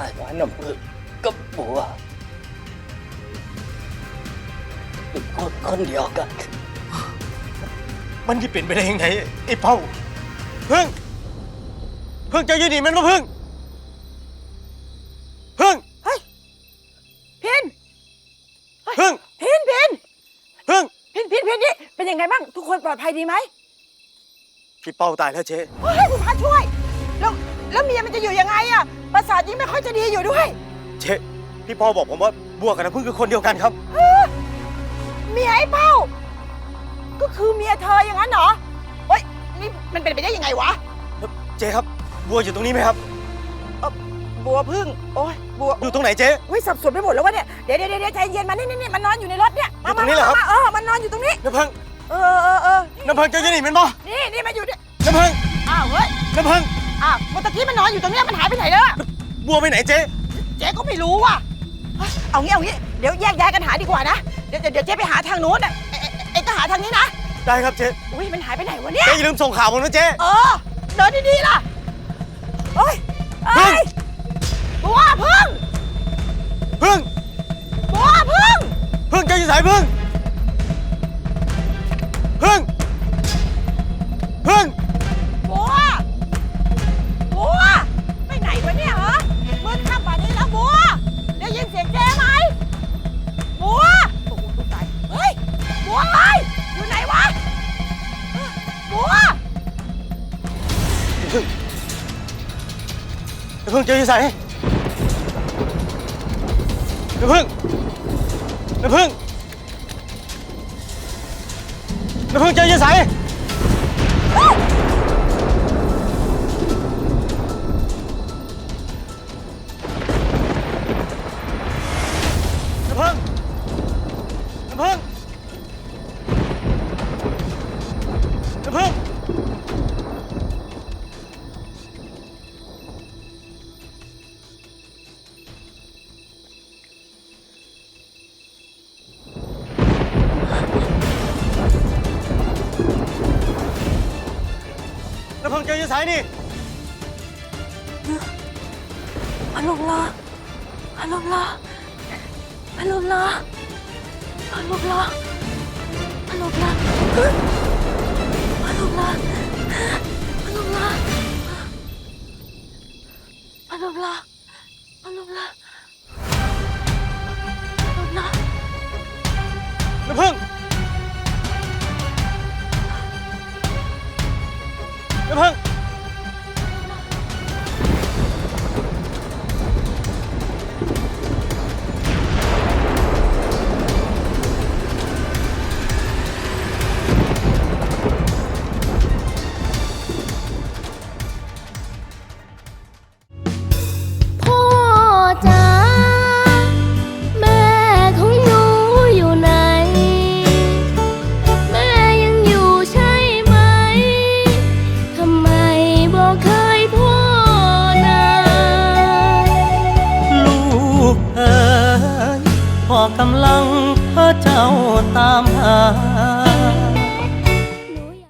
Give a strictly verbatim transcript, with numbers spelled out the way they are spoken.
ายว่าน้ำผึ้งกับบัวเป็นคนคนเดียวกันมันจะเป็นไปได้ยังไงไอ้เป้าพึ่งพึ่งจะยืนหนีมันมาพึ่งพึ่งเฮ้ยพินพึ่งพินพินพึ่งพินพินพินนี่เป็นยังไงบ้างทุกคนปลอดภัยดีไหมพี่เป้าตายแล้วเจ๊เฮ้ยคุณพระช่วยแล้วแล้วเมียมันจะอยู่ยังไงอะประสาทยิ่งไม่ค่อยจะดีอยู่ด้วยเจ๊พี่เป้าบอกผมว่าบัวกับน้ำพึ่งคือคนเดียวกันครับเมียไอ้เป้าก็คือเมียเธออย่างนั้นเหรอเฮ้ยนี่มันเป็นไปได้ยังไงวะเจ๊ครับบัวอยู่ตรงนี้ไหมครับบัวพึ่งโอ้ยบัวอยู่ตรงไหนเจ๊เฮ้ยสับสนไปหมดแล้ววะเนี่ยเดี๋ยวเดี๋ยวเดี๋ยวใจเย็นมานี่นี่นี่มันนอนอยู่ในรถเนี่ยอยู่ตรงนี้เหรอครับมาเออมันนอนอยู่ตรงนี้น้ำพึ่งเออเออเออน้ำพึ่งจะยืนหนีมันบ่นี่นี่มันอยู่เนี่ยน้ำพึ่งอ้าวเฮ้ยน้ำพึ่งอ้าวเมื่อกี้มันนอนอยู่ตรงเนี้ยมันหายไปไหนแล้วอะบัวไปไหนเจ๊เจ๊ก็ไม่รู้ว่ะเฮ้ยเอางี้เอางี้เดี๋ยวแยกย้ายกันหาดีกว่านะเดี๋ยวเดี๋ยวเดี๋ยวเจ๊ไปหาทางนู้นอ่ะเอ๊ะเอ๊ะเอ๊ะก็หาทางนี้นะได้ครับเจ๊อุ้ยมันหายไปไหนวะเนี่ยเจ๊อย่าลืมส่งข่าวผมนะเจ๊เออเดินดีๆล่ะเฮ้ยเอ้ยบัวพึ่งพึ่งบัวพึ่งพึ่งจะอยู่สายพึ่งพึ่งพึ่งบัวบัวไปไหนวะเนี่ยฮะมืดค่ำป่านนี้แล้วบัวได้ยินเสียงเจ๊ไหมบัวโอ้โหตายเฮ้ยบัวเอ้ยอยู่ไหนวะบัวพึ่งพึ่งจะอยู่สายน้ำพึ่งน้ำพึ่งน้ำพึ่งจะอยู่สายน้ำพึ่งน้ำพึ่งน้ำพึ่งน้ำพึ่งจะอยู่สายนี่พัดลมละพัดลมละพัดลมละพัดลมละพัดลมละพัดลมละพัดลมละพัดลมละพัดลมละพัดลมละน้ำพึ่งน้ำพึ่ง